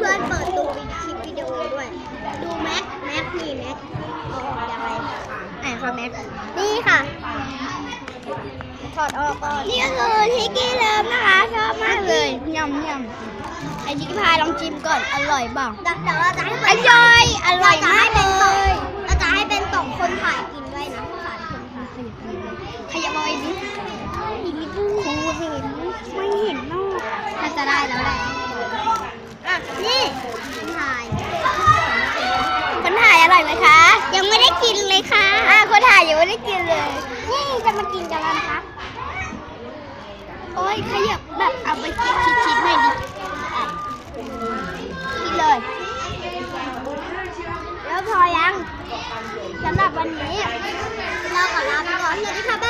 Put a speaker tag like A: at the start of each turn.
A: พื่อนๆเปิดดูคลิปวิดีโอด้วยดูแม็กนี่แม็กเอาออกอย่างไรค่ะแม็กนี่ค่ะถอดออกก่อนนี่ก็คือทิกกี้เลิฟนะคะชอบมากเลยยำไอ้ทิกกี้พายลองชิมก่อนอร่อยบ้างเดี๋ยวเราจะให้อร่อยมากเลยเราจะให้เป็นตกคนถ่ายกินด้วยนะสารคนถ่ายขยับเอาไว้ดิอีกนิดนึงครูเห็นไม่เห็นนอกน่าจะได้แล้วแหละนี่คนถ่ายอร่อยไหมคะยังไม่ได้กินเลยค่ะคนถ่ายยังไม่ได้กินเลยนี่จะมากินกันแล้วนะคะโอ้ยขยับแบบเอาไปชิดหน่อยดิกินเลยแล้วพอยังสำหรับวันนี้เราขอลาไปก่อนสวัสดีค่ะ